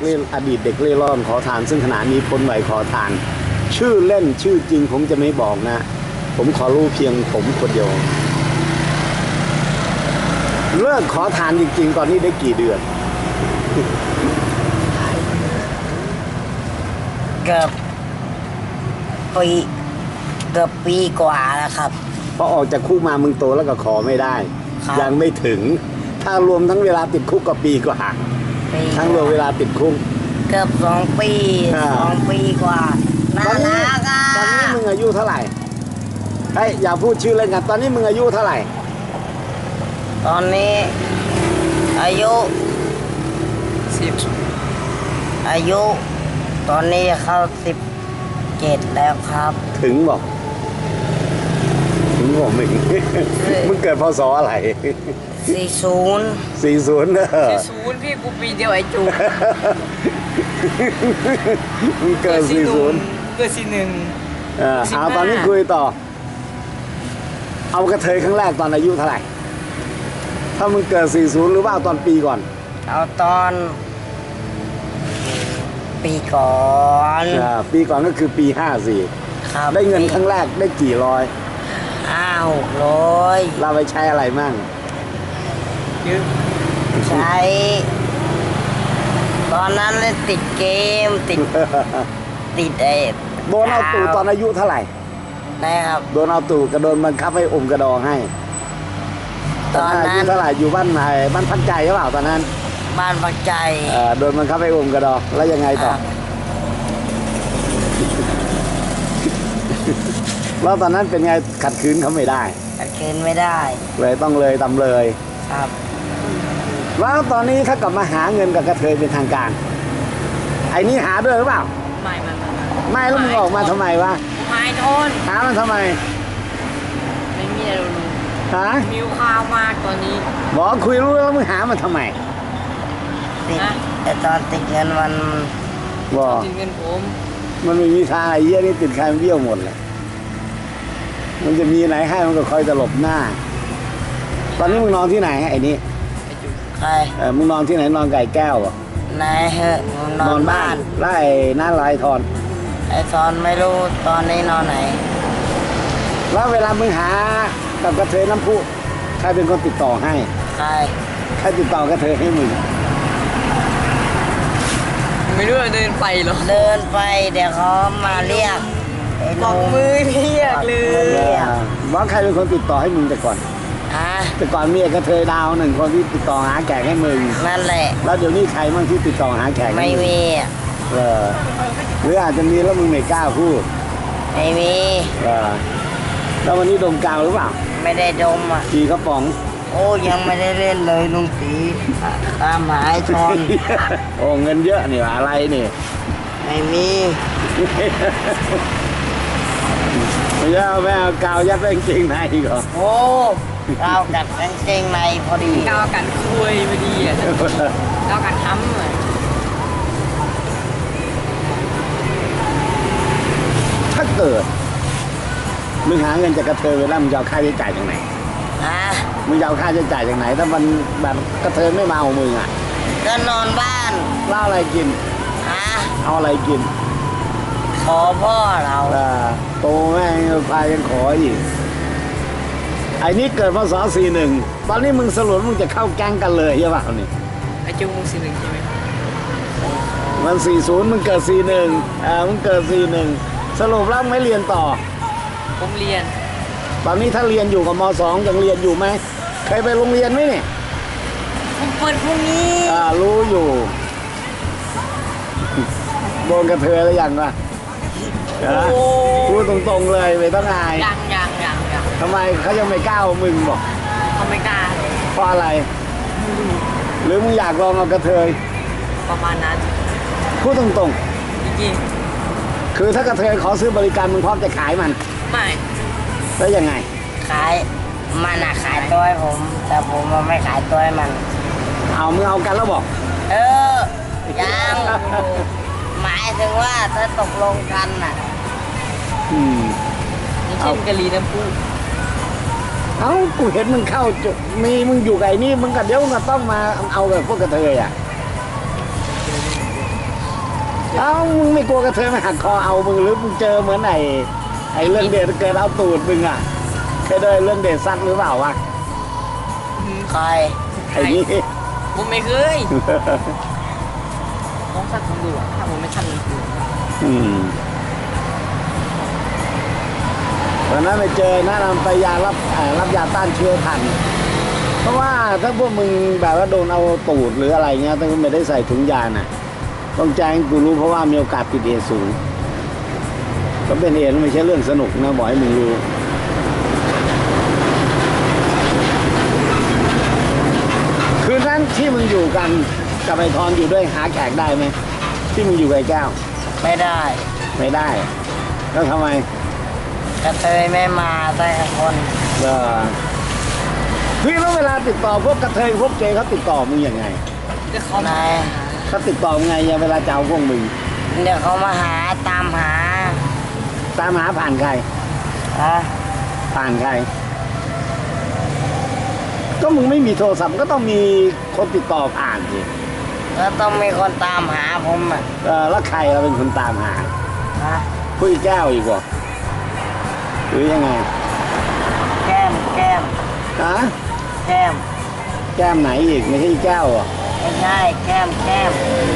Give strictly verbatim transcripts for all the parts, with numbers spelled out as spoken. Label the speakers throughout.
Speaker 1: เล่อดีตเด็กเล่ร่อนขอทานซึ่งขณะนี้พ้นวัยขอทานชื่อเล่นชื่อจริงผมจะไม่บอกนะผมขอรู้เพียงผมคนเดียวเลิกขอทานจริงๆตอนนี้ได้กี่เดือน
Speaker 2: เกือบปีเกือบปีกว่าแล้วครับ
Speaker 1: พอออกจากคุกมามึงโตแล้วก็ขอไม่ได้ยังไม่ถึงถ้ารวมทั้งเวลาติดคุกก็ปีกว่าทั้งรวมเวลาติดคุก
Speaker 2: เกือบสองปีสองปีกว่า
Speaker 1: ตอนนี้ตอนนี้มึงอายุเท่าไหร่เฮ้ยอย่าพูดชื่อเล่นกันตอนนี้มึงอายุเท่าไหร่
Speaker 2: ตอนนี้อายุสิบอายุตอนนี้เข้าสิบเจ็ดแล้วครับ
Speaker 1: ถึงบอกถึงบอกมึงมึงเกิดพศอะไร
Speaker 2: สี่ศูนย์
Speaker 1: สี่ศูนย์เนอะ
Speaker 3: สี่ศูนย์พี่กูปีเดียวไอ้จู
Speaker 1: มึงเกิดสี่ศูนย์
Speaker 3: เกิดสี่หนึ่ง
Speaker 1: อ่าเอาตอนนี้คุยต่อเอากระเทยครั้งแรกตอนอายุเท่าไหร่ถ้ามึงเกิดสี่ศูนย์หรือว่าตอนปีก่อน
Speaker 2: เอาตอนปีก่อน
Speaker 1: อ่าปีก่อนก็คือปีห้าสี่ได้เงินครั้งแรกได้กี่ร้อย
Speaker 2: ห้าหกร้อย
Speaker 1: เราไปใช้อะไรมั่ง
Speaker 2: ใช้ตอนนั้นเลยติดเกมติดติดไอ้
Speaker 1: โดนเอาตู่ตอนอายุเท่าไหร่
Speaker 2: นะครับ
Speaker 1: โดนเอาตู่กระโดนบังคับให้อมกระดองให้ตอนนั้นอายุเท่าไหร่อยู่บ้านไหนบ้านพักใจหรือเปล่าตอนนั้น
Speaker 2: บ้านพักใจ
Speaker 1: โดนบังคับให้อมกระดองแล้วยังไงต่อแล้วตอนนั้นเป็นไงขัดขืนเขาไม่ได้
Speaker 2: ขัดขืนไม่ได้
Speaker 1: เลยต้องเลยตำเลย
Speaker 2: ครับ
Speaker 1: แล้วตอนนี้ถ้ากลับมาหาเงินกับกระเทยเป็นทางการไอ้นี่หาด้วยหรือเปล่า
Speaker 3: ไม่ไม่ไม่
Speaker 1: ไม่แล้วมึงออกมาทำไมวะ
Speaker 3: ไม่ทน
Speaker 1: หามันทำไม
Speaker 3: ไม่มีอะไรรู้
Speaker 1: ฮะ
Speaker 3: มิวข้าวมากตอนนี้
Speaker 1: บอกคุยรู้แล้วมึงหามันทำไม
Speaker 2: ติดแต่ตอนติดเงินมัน
Speaker 1: บอก
Speaker 3: ติดเงินผม
Speaker 1: มันไม่มีทางไอ้เหี้ยนี่ติดใครมันเบี้ยวหมดเลยมันจะมีไหนให้มันก็คอยตลบหน้าตอนนี้มึงนอนที่ไหนไอ้นี่
Speaker 2: ใคร
Speaker 1: เออมึงนอนที่ไหนนอนไก่แก้วอ่ะ
Speaker 2: นายเฮอะนอนบ้าน
Speaker 1: ไล่หน้าลายทอน
Speaker 2: ไอ้ทอนไม่รู้ตอนนี้นอนไหน
Speaker 1: แล้วเวลามึงหากับกระเทยน้ำพุใครเป็นคนติดต่อให้
Speaker 2: ใคร
Speaker 1: ใครติดต่อกระเทยให้มึง
Speaker 3: ไม่รู้เดินไปหรอ
Speaker 2: เดินไปเดี๋ยวเขามาเรียก
Speaker 3: บอกมือเรียกเลย
Speaker 1: ว่าใครเป็นคนติดต่อให้มึงแต่ก่อนแต่ก่อนมีกระเทยดาวหนึ่งคนที่ติดต่อหาแขกให้มึง
Speaker 2: นั่นแหละ
Speaker 1: แล้วเดี๋ยวนี้ใครมั่งที่ติดต่อหาแขก
Speaker 2: ไม่มี
Speaker 1: เออหรืออาจจะมีแล้วมึงไม่กล้าพูด
Speaker 2: ไม่มี
Speaker 1: เออแล้ววันนี้ดมกาวหรือเปล่า
Speaker 2: ไม่ได้ดมอ่ะ
Speaker 1: กี่กระป๋อง
Speaker 2: โอ้ยังไม่ได้เล่นเลยลุงตีตามหายชน
Speaker 1: โอ้เงินเยอะนี่อะไรนี่
Speaker 2: ไม่มี
Speaker 1: ไม่เอาไม่เอากาวยัดกางเกงในเหรอ
Speaker 2: โอ้กาวกัดกางเกงในพอดี
Speaker 3: กาวกัดคุยพอดีอ่ะกาวกัดทำเลย
Speaker 1: ถ้าเกิดมึงหาเงินจากกระเทยไปแล้วมึงจะเอาค่าใช้จ่ายจากไหน
Speaker 2: ฮะ
Speaker 1: มึงจะเอาค่าใช้จ่ายจากไหนถ้ามันแบบกระเทยไม่มาเอามึงอ่ะ
Speaker 2: ก็นอนบ้าน
Speaker 1: เล่าอะไรกิน
Speaker 2: ฮะ
Speaker 1: เอาอะไรกิน
Speaker 2: ขอพ่อเรา
Speaker 1: โตแม่พายังขออีกไอ้นี่เกิดพศสี่หนึ่งตอนนี้มึงสรุปมึงจะเข้าแก๊งกันเลยใช่ป่ะนี่
Speaker 3: ไอ้จูมึงสี่หนึ่งใช่ไหม
Speaker 1: มันสี่ศูนย์มึงเกิดสี่หนึ่งอ่ามึงเกิดสี่หนึ่งสรุปแล้วไม่เรียนต่อ
Speaker 3: ผมเรียน
Speaker 1: ตอนนี้ถ้าเรียนอยู่กับมสองยังเรียนอยู่ไหมเคยไปโรงเรียนไหมเนี่ย
Speaker 3: ผมเปิดพรุ่งนี้
Speaker 1: อ่ารู้อยู่โดนกระเทยแล้วยังวะพูดตรงๆเลยไม่ต้องอาย
Speaker 3: ยังยังยังยัง
Speaker 1: ทำไมเขายังไม่กล้ามึงบอก
Speaker 3: เขาไม่กล้า
Speaker 1: เพราะอะไรหรือมึงอยากลองเอากระเทย
Speaker 3: ประมาณนั้น
Speaker 1: พูดตรง
Speaker 3: ๆจริง
Speaker 1: ๆคือถ้ากระเทยขอซื้อบริการมึงพร้อมจะขายมัน
Speaker 3: ไม่
Speaker 1: แล้วยังไง
Speaker 2: ขายมันอะขายตัวให้ผมแต่ผมมันไม่ขายตัวให้มัน
Speaker 1: เอามึงเอากันแล้วบอก
Speaker 2: เออยังหมายถึงว่าถ้าตกลงกันน่ะ
Speaker 1: อืม
Speaker 3: นี่เช่นกะลีน้ำพุ
Speaker 1: เอ้ากูเห็นมึงเข้าจุดมีมึงอยู่ไงนี่มึงกับเดี๋ยวมึงก็ต้องมาเอากับพวกกระเทยอ่ะเอ้ามึงไม่กลัวกระเทยมาหักคอเอามึงหรือมึงเจอเหมือนไอ้ไอ้เรื่องเดทเกิดเอาตูดมึงอ่ะเคยได้เรื่องเดทซัดหรือเปล่าวะ
Speaker 2: ใคร
Speaker 1: ไอ้นี่
Speaker 3: ผมไม่เคยต้องสักผมดูอะถ้าผมไม่ชันมันคือ
Speaker 1: อืมวันนั้นไปเจอแนะนำไปยารับเอ่อรับยาต้านเชื้อทันเพราะว่าถ้าพวกมึงแบบว่าโดนเอาตูดหรืออะไรเงี้ยถ้าไม่ได้ใส่ถุงยาน่ะต้องแจ้งกูรู้เพราะว่ามีโอกาสติดเอดส์สูงก็เป็นเอดส์ไม่ใช่เรื่องสนุกนะบอกให้มึงรู้คืนนั้นที่มึงอยู่กันกับไอ้ทอนอยู่ด้วยหาแขกได้ไหมที่มึงอยู่กับไอ้แก้ว
Speaker 2: ไม่ได้
Speaker 1: ไม่ได้แล้วทำไม
Speaker 2: กระเทยไม่มาแต่คน
Speaker 1: เออคือแล้วเวลาติดต่อพวกกระเทยพวกเจเขาติดต่อมึงยังไง
Speaker 3: เดี๋ยวเขา
Speaker 2: ไหน
Speaker 3: มา
Speaker 1: เขาติดต่อมึงไงเวลาจะเอาพวกมึง
Speaker 2: เดี๋ยวเขามาหาตามหา
Speaker 1: ตามหาผ่านใคร
Speaker 2: อะ
Speaker 1: ผ่านใคร ก็มึงไม่มีโทรศัพท์ก็ต้องมีคนติดต่อผ่านสิ
Speaker 2: แล้วต้องมีคนตามหาผมอ่ะ
Speaker 1: เออแล้วใครเราเป็นคนตามหา
Speaker 2: ฮะ
Speaker 1: คุยแก้วอีกว่าหรือยังไง
Speaker 2: แก้มแก้ม
Speaker 1: ฮะ
Speaker 2: แก้ม
Speaker 1: แก้มไหนอีกไม่ใช่แก้วเหรอ่ะ
Speaker 2: ไม่ใช่แก้มแก้ม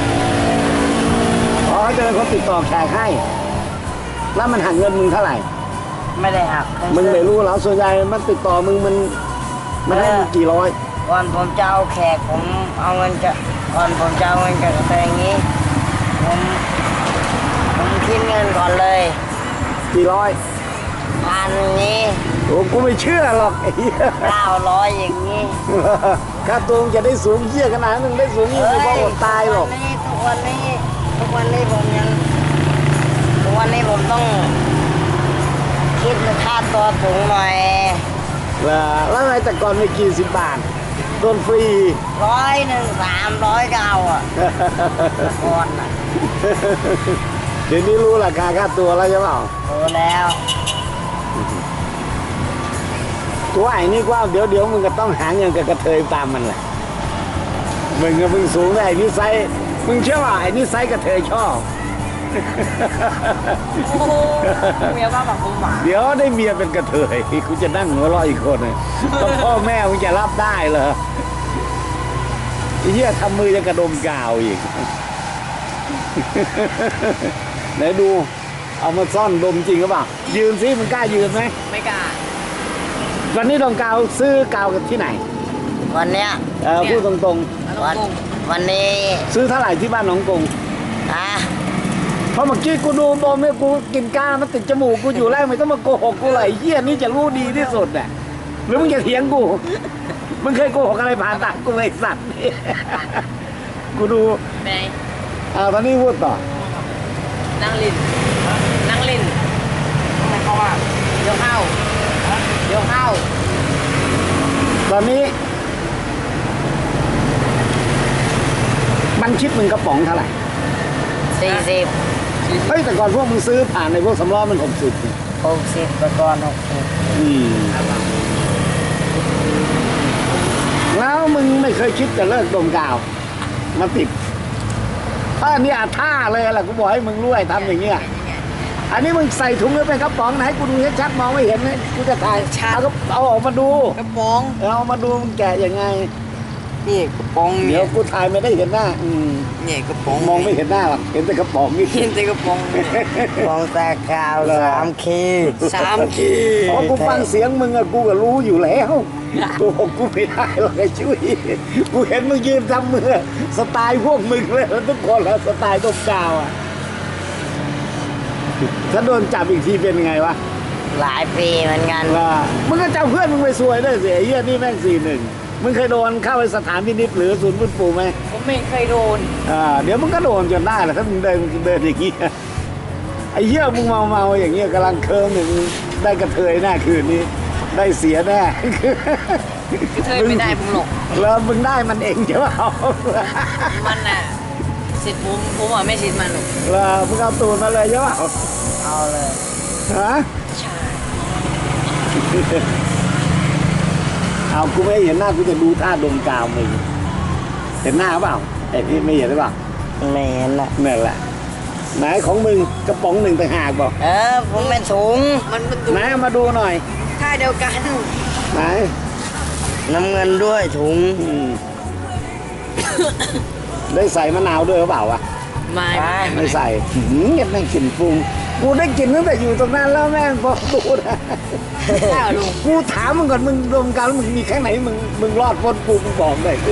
Speaker 1: อ๋อเขาจะเป็นคนติดต่อแขกให้ แล้วมันหักเงินมึงเท่าไหร่
Speaker 2: ไม่ได้หัก
Speaker 1: มึงไม่รู้เหรอส่วนใหญ่มันติดต่อมึงมันมันให้มึงกี่ร้อย
Speaker 2: ก่อนผมจะเอาแขกผมเอาเงินจะก่อนผมจะเอาเงินจากกระเทยอย่างนี้ผมผมคิดเงินก่อนเลย
Speaker 1: กี่ร้อย
Speaker 2: พันนี้
Speaker 1: โอ้กูไม่เชื่อหรอกไอ้เหี้ย
Speaker 2: เก้าร้อยอย่างนี้
Speaker 1: ค่าตัวมึงจะได้สูงเยี่ยขนาดนึงได้สูงยี่สิบเพราะอดตายหรอก
Speaker 2: ทุกวันนี้ทุกวันนี้ทุกวันนี้ผมยังทุกวันนี้ผมต้อง คิดค่าตัวสูงหน่อย
Speaker 1: แล้วแล้วไงแต่ก่อนไม่กี่สิบบาทโดนฟรี
Speaker 2: ร้อยหนึ่งสามร้อยก็เอาอ่ะก่อนอ่ะ
Speaker 1: เดี๋ยวนี้รู้ราคาค่าตัวแล้วใช่เปล่า
Speaker 2: รู้แล้ว
Speaker 1: กูว่าไอ้นี่กว่าเดี๋ยวเดี๋ยวมึงก็ต้องหาเงินกับกระเทยตามมันแหละมึงกับมึงสูงได้ไอ้นิสัยมึงเชื่อว่าไอ้นิสัยกระเทยชอบ
Speaker 3: โอ้โหเมียบ้าแบบผมหวาน
Speaker 1: เดี๋ยวได้เมียเป็นกระเทยกูจะนั่งหัวเราะอีกคนหนึงแล้วพ่อแม่มึงจะรับได้เหรอไอ้เหี้ยทำมือจะกระดมกาวอีก ไหนดู เอามาซ่อนดมจริงหรือเปล่ายืนซิมึงกล้ายืนไหม
Speaker 3: ไม่กล้า
Speaker 1: วันนี้ดองกาวซื้อกาวกันที่ไหน
Speaker 2: วันเนี้ย
Speaker 1: เออพูดตรง
Speaker 3: แล้ว
Speaker 2: วัน
Speaker 3: ตรง
Speaker 2: วันนี้
Speaker 1: ๆ ซื้อเท่าไหร่ที่บ้านหนองกง
Speaker 2: อ่ะ
Speaker 1: เพราะเมื่อกี้กูดูดมเนี่ยกูกินกาวมันติดจมูกกูอยู่แรกไม่ต้องมาโกหกกูเลยไอ้เหี้ยนี่จะรู้ดีที่สุดน่ะหรือมึงจะเถียงกูมึงเคยโกหกอะไรผ่านตากูเลยไอ้สัตว์ กูดู
Speaker 3: ไหน
Speaker 1: อ่าตอนนี้พูดต่อ
Speaker 3: นั่งลินนั่งลินทำไมเขาว่าเดี๋ยวเข้าเดี๋ยวเข้า
Speaker 1: ตอนนี้ มันคิดมึงกระป๋องเท่าไหร่
Speaker 2: สี่สิบ
Speaker 1: เฮ้ยแต่ก่อนพวกมึงซื้อผ่านในพวกสำล้อมันหกสิบ
Speaker 2: หกสิบไปก่อนหกสิบ
Speaker 1: อืมแล้วมึงไม่เคยคิดจะเลิกดมกาวมาติดอันนี้อาท่าเลยแหละกูบอกให้มึงรู้ไอ้ทำอย่างเงี้ยอันนี้มึงใส่ถุงหรือเป็นกระป๋องไหนกูดูชัดๆมองไม่เห็นเลยกูจะถ่ายเอาก็เอาออกมาดู
Speaker 3: กระป๋อง
Speaker 1: เอามาดูมึงแกะยังไง
Speaker 3: นี่กระป๋อง
Speaker 1: เดี๋ยวกูถ่ายไม่ได้เห็นหน้า อืม
Speaker 3: เนี่ยกระป๋อง
Speaker 1: มองไม่เห็นหน้าหรอกเห็นแต่กระป๋องนี่
Speaker 3: เห็นแต่กระป๋องเนี่ย
Speaker 2: ฟองแต่กาวสามคี
Speaker 3: สามขี
Speaker 1: พอกูฟังเสียงมึงอะกูก็รู้อยู่แล้วกูบอกกูไม่ได้หรอกไอ้ช่วยกูเห็นมึงยืนทำมือสไตล์พวกมึงเลยทุกคนแล้วสไตล์ตบกาวอะถ้าโดนจับอีกทีเป็นไงวะ
Speaker 2: หลายปีเหมือนกัน
Speaker 1: ว่ามึงก็จับเพื่อนมึงไปซวยด้วยสิไอ้เหี้ยนี่แม่งสี่หนึ่งมึงเคยโดนเข้าไปสถานพินิจหรือศูนย์ฟื้นฟูไหม
Speaker 3: ผมไม่เคยโดน
Speaker 1: อ่าเดี๋ยวมึงก็โดนจนได้แหละถ้ามึงเดินมึงเดินอย่างเงี้ยไอ้เหี้ยมึงเมาเมาๆอย่างเงี้ยกำลังเคิร์มหนึ่งได้กระเทยแน่คืนนี้ ได้เสียแน่
Speaker 3: กระเทยไม่ได้ผมหรอก
Speaker 1: แล้วมึงได้มันเองใช่เปล่า
Speaker 3: มันน่ะสิทธิ์ผมผมอ่ะไม่สิทธิ์มันหรอก
Speaker 1: แล้วมึงเอาตูนมาเลยใช่เปล่า
Speaker 2: เอาเลย
Speaker 1: ฮะ
Speaker 3: ใช่
Speaker 1: เอากูไม่เห็นหน้ากูจะดูท่าดมกาวมึงเห็นหน้าเปล่าไอ้พี่ไม่เห็นหรือเปล่า
Speaker 2: ไม่เห็นละ
Speaker 1: นั่นแหละไหนของมึงกระป๋องหนึ่งต่างหากบอก
Speaker 2: เออผมเป็นถุง
Speaker 3: มันมันดู
Speaker 1: ไหนเอามาดูหน่อย
Speaker 3: ท่าเดียวกัน
Speaker 1: ไหน
Speaker 2: น้ำเงินด้วยถุง
Speaker 1: อืมได้ใส่มะนาวด้วยหรือเปล่าวะ
Speaker 3: ไม่
Speaker 1: ไม่ใส่หืมเงียบแม่งกลิ่นปรุงกูได้กลิ่นตั้งแต่อยู่ตรงนั้นแล้วแม่งพอดูนะ
Speaker 3: ข้าวลุง
Speaker 1: กูถามมึงก่อนมึงดมกันแล้วมึงมีแค่ไหนมึงมึงรอดพ้นปรุงบอกหน่อยสิ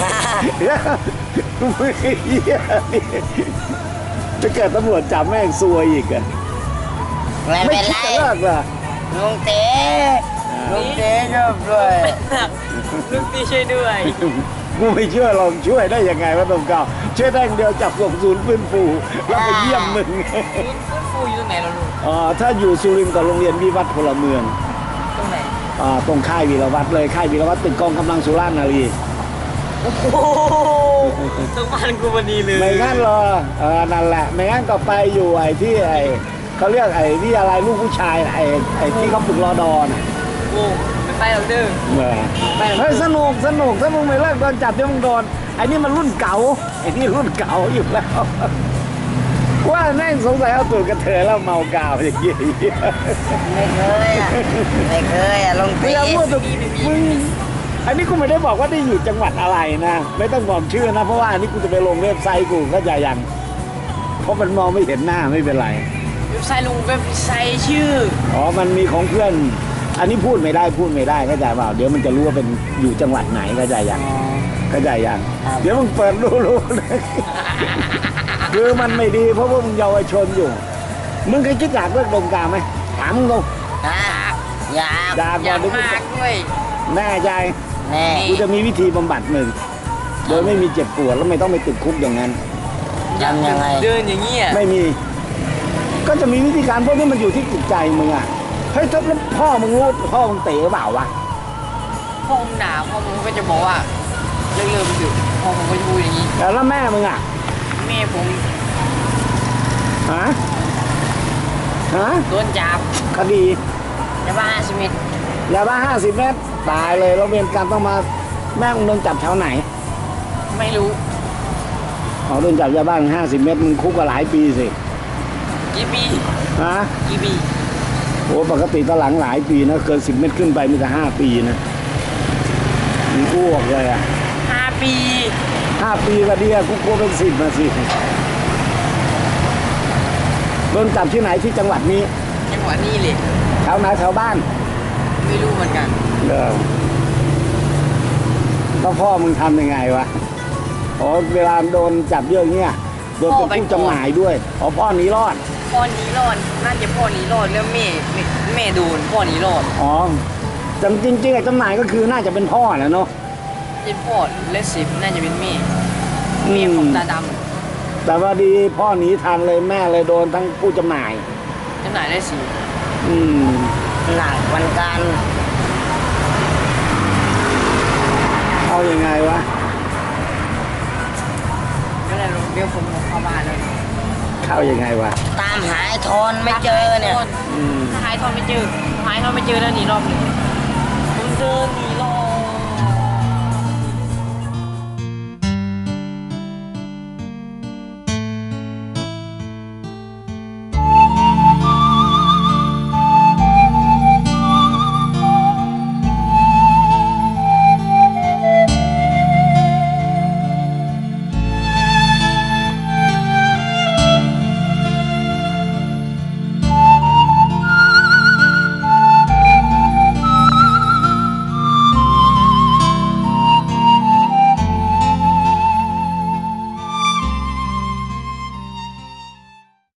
Speaker 1: มึงเหี้ยจะเกิดตำรวจจับแม่งซวยอีกอะ
Speaker 2: ไม่
Speaker 1: ไม่
Speaker 2: เป็น
Speaker 1: คิด
Speaker 2: ไร
Speaker 1: จะเลิกเหรอ
Speaker 2: ลุงเต้ลุงเต้ชอบด้วย
Speaker 3: ลุงตีช่วยด้วย
Speaker 1: กูไม่เชื่อลองช่วยได้ยังไงวะตรงเก่าช่วยได้อย่างเดียวจับส่งศูนย์ฟื้นฟูแล้วไปเยี่ยมมึง
Speaker 3: ฟื้นฟื้นฟูอยู่ตรงไหนล่ะลุง
Speaker 1: อ่าถ้าอยู่สุรินทร์กับโรงเรียนวิวัฒน์พลเมือง
Speaker 3: ตรงไหน
Speaker 1: อ่าตรงค่ายวีรวัตรเลยค่ายวีรวัตรตึกกองกำลังสุราษฎร์นารี
Speaker 3: โอ้โหตรงบ้านกูพอดีเลย
Speaker 1: ไม่งั้นเหรอเออนั่นแหละไม่งั้นก็ไปอยู่ไอ้ที่ไอ้เขาเรียกไอ้ที่อะไรลูกผู้ชายน่ะไอ้ไอ้ที่เขาฝึกรอดอน่ะ
Speaker 3: โอ้ไม่ไปหรอกเด้อ
Speaker 1: เออเฮ้ยสนุกสนุกถ้ามึงไม่เลิกโดนจับเดี๋ยวมึงโดนไอ้นี่มันรุ่นเก่าไอ้นี่รุ่นเก่าอยู่แล้ว ว่าแม่งสงสัยเอาตูดกระเทยแล้วเมากาวอย่างเงี้ย
Speaker 2: ไม่เคยอ่ะไม่เคยอ่ะลุง
Speaker 1: ไม่
Speaker 2: ตี
Speaker 1: เอาพูดถึงมึงอันนี้กูไม่ได้บอกว่าได้อยู่จังหวัดอะไรนะไม่ต้องบอกชื่อนะเพราะว่าอันนี้กูจะไปลงเว็บไซต์กูก็จะยังเพราะมันมองไม่เห็นหน้าไม่เป็นไร
Speaker 3: เว็บไซต์ลุงเว็บไซต์ชื่อ
Speaker 1: อ๋อมันมีของเพื่อน อันนี้พูดไม่ได้พูดไม่ได้เข้าใจเปล่าเดี๋ยวมันจะรู้ว่าเป็นอยู่จังหวัดไหนเข้าใจยังเข้าใจยังเดี๋ยวมึงเปิดรู้รู้เลย คือมันไม่ดีเพราะว่ามึงเยาวชนอยู่ มึงเคยคิดอยากเลิกดมกาวไหมถามมึงตรง
Speaker 2: อ่ะอยาก
Speaker 1: อยาก
Speaker 3: อ
Speaker 1: ก่อย
Speaker 3: าน ก
Speaker 1: เดี๋ยวกู
Speaker 3: มากด้วย
Speaker 1: แน่ใจ
Speaker 2: แน่
Speaker 1: กูจะมีวิธีบำบัดมึงโดยไม่มีเจ็บปวดแล้วไม่ต้องไปติดคุกอย่างนั้น
Speaker 2: ทำยังไง
Speaker 3: เดินอย่างเงี้ย
Speaker 1: ไม่มี ก็จะมีวิธีการพวกนี้มันอยู่ที่จิตใจมึงอ่ะเฮ้ยถ้าแล้วพ่อมึงรู้พ่อมึงเตะหรือเปล่าวะ
Speaker 3: พ่อผมด่าพ่อผมก็จะบอกว่าเลิกเลิกไปเถอะพ่อผมก็จะพูดอย่างนี้
Speaker 1: แล้วแม่มึงอ่ะ
Speaker 3: แม่ผม
Speaker 1: ฮะฮะ
Speaker 3: โดนจับ
Speaker 1: คดี
Speaker 3: จะบ้าชีวิต
Speaker 1: ยาบ้าห้าสิบเมตรตายเลยแล้วเวรกรรมต้องมาแม่มึงโดนจับแถวไหน
Speaker 3: ไม่รู้
Speaker 1: อ๋อโดนจับยาบ้าห้าสิบเมตรมึงคุกก็หลายปีสิ
Speaker 3: กี่ปี
Speaker 1: ฮะ
Speaker 3: กี่ปี
Speaker 1: โอ้ปกติตอนหลังหลายปีนะเกินสิบเมตรขึ้นไปมีแต่ห้าปีนะมึงอ้วกเลยอ่ะ
Speaker 3: ห้าปี
Speaker 1: ห้าปีก็ดีอะคุกโคเป็นสิบมาสิโดนจับที่ไหนที่จังหวัดนี้
Speaker 3: จังหวะนี้เลย
Speaker 1: แถวไหนแถวบ้าน
Speaker 3: ไม่รู้เหมือนกัน
Speaker 1: เออแล้วพ่อมึงทำยังไงวะอ๋อเวลาโดนจับเยอะเงี้ยโดนเป็นผู้จำหน่ายด้วยอ๋อพ่อหนีรอด
Speaker 3: พ่อหนี้รอดน่าจะพ่อหนี้รอดแล้วแม่แม่แม่โดนพ่อหนี้รอด
Speaker 1: อ๋อจำจริงๆไอ้จำหน่ายก็คือน่าจะเป็นพ่อแหละเนาะ
Speaker 3: เป็นพ่อและสิบน่าจะเป็นแม่แม่ของตาด
Speaker 1: แต่ว่าดีพ่อหนีทันเลยแม่เลยโดนทั้งผู้จำหน่าย
Speaker 3: ำจำหน่ายได้สี่
Speaker 1: อืม
Speaker 2: หนักเหมือนกัน
Speaker 1: เอาอยัางไงวะ
Speaker 3: ก็เลยลงเดี๋ยวผมเข้าบ้านแล้ว
Speaker 1: เข้ายังไงวะ
Speaker 2: ตามหายทอนไม่เจอเนี่ย
Speaker 1: อืม
Speaker 3: ถ้าหายทอนไม่เจอหายทอนไม่เจอแล้วหนีรอบหนึ่งผมเดินหนี